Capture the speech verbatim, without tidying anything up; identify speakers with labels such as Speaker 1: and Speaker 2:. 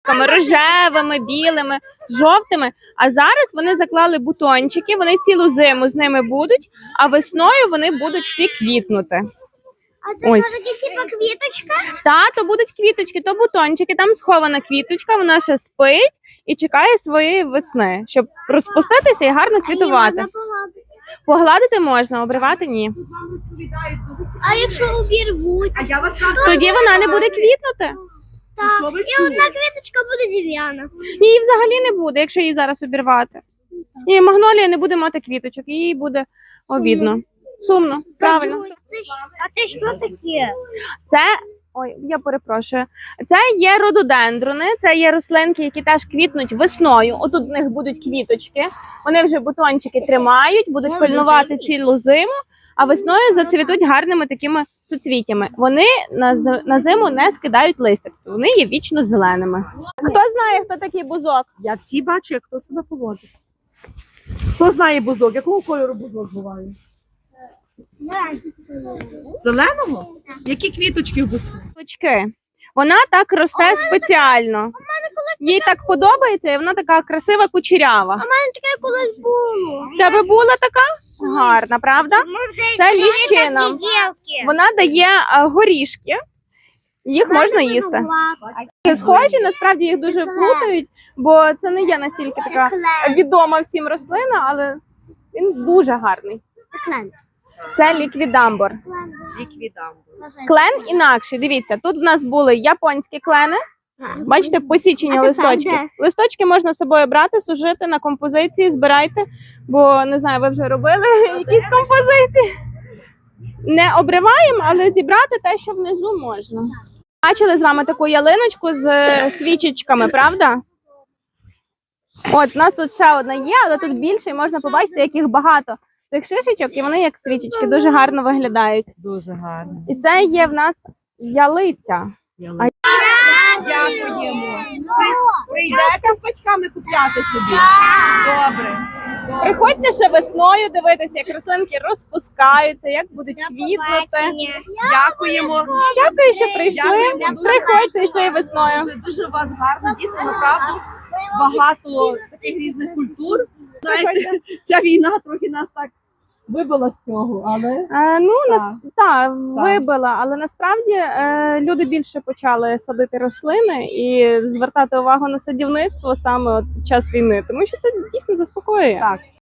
Speaker 1: квіточками рожевими, білими, жовтими. А зараз вони заклали бутончики, вони цілу зиму з ними будуть, а весною вони будуть всі квітнути.
Speaker 2: А це
Speaker 1: Ось.
Speaker 2: що таке, типа квіточка?
Speaker 1: Та, то будуть квіточки, то бутончики, там схована квіточка, вона ще спить і чекає своєї весни, щоб розпуститися і гарно квітувати. Погладити можна, обривати ні.
Speaker 2: А якщо обірвуть?
Speaker 3: А я вас сам
Speaker 1: Тоді вона не буде квітнути.
Speaker 2: Так.
Speaker 3: що ви
Speaker 2: І
Speaker 3: чули?
Speaker 2: одна квіточка буде зів'яна.
Speaker 1: Її взагалі не буде, якщо її зараз обірвати. І магнолія не буде мати квіточок, їй буде обідно. Сумно, правильно.
Speaker 2: А ти що таке?
Speaker 1: Це, ой, я перепрошую. Це є рододендрони, це є рослинки, які теж квітнуть весною. Отут в них будуть квіточки. Вони вже бутончики тримають, будуть пильнувати цілу зиму, а весною зацвітуть гарними такими суцвіттями. Вони на, з- на зиму не скидають листя, вони є вічно зеленими. Хто знає, хто такий бузок?
Speaker 3: Я всі бачу, як хто себе поводить. Хто знає бузок? Якого кольору бузок буває? Зеленого? Які квіточки в бузку?
Speaker 1: Квіточки. Вона так росте спеціально. Їй так подобається, і вона така красива, кучерява.
Speaker 2: У мене таке колись було.
Speaker 1: В тебе була така гарна, правда? Це ліщина.
Speaker 2: Єлки.
Speaker 1: Вона дає а, горішки, їх можна їсти. Це схожі, насправді їх дуже плутають, бо це не є настільки така відома всім рослина, але він дуже гарний. Це ліквідамбор.
Speaker 3: Ліквідамбур.
Speaker 1: Клен інакший. Дивіться, тут в нас були японські клени. Бачите, посічені
Speaker 2: А тепер
Speaker 1: листочки.
Speaker 2: де?
Speaker 1: Листочки можна з собою брати, сушити на композиції, збирайте, бо не знаю, ви вже робили якісь композиції. Не обриваємо, але зібрати те, що внизу можна. Бачили з вами таку ялиночку з е, свічечками, правда? От, у нас тут ще одна є, але тут більше, і можна побачити, яких багато цих шишечок, і вони як свічечки, дуже гарно виглядають.
Speaker 3: Дуже гарно.
Speaker 1: І це є в нас ялиця.
Speaker 3: Ялинка. Дякуємо. Ви прийдете з батьками купляти собі? Добре. Добре.
Speaker 1: Приходьте ще весною дивитися, як рослинки розпускаються, як будуть квітнути.
Speaker 3: Дякуємо.
Speaker 1: Дякую, що прийшли.
Speaker 3: Дякуємо.
Speaker 1: Приходьте ще й весною.
Speaker 3: Дуже, дуже у вас гарно, дійсно, направду. Багато таких різних культур. Знаєте, ця війна трохи нас так вибила з цього, але
Speaker 1: Е, ну,
Speaker 3: Так.
Speaker 1: нас, та, вибила, але насправді е, люди більше почали садити рослини і звертати увагу на садівництво саме от під час війни, тому що це дійсно заспокоює.
Speaker 3: так.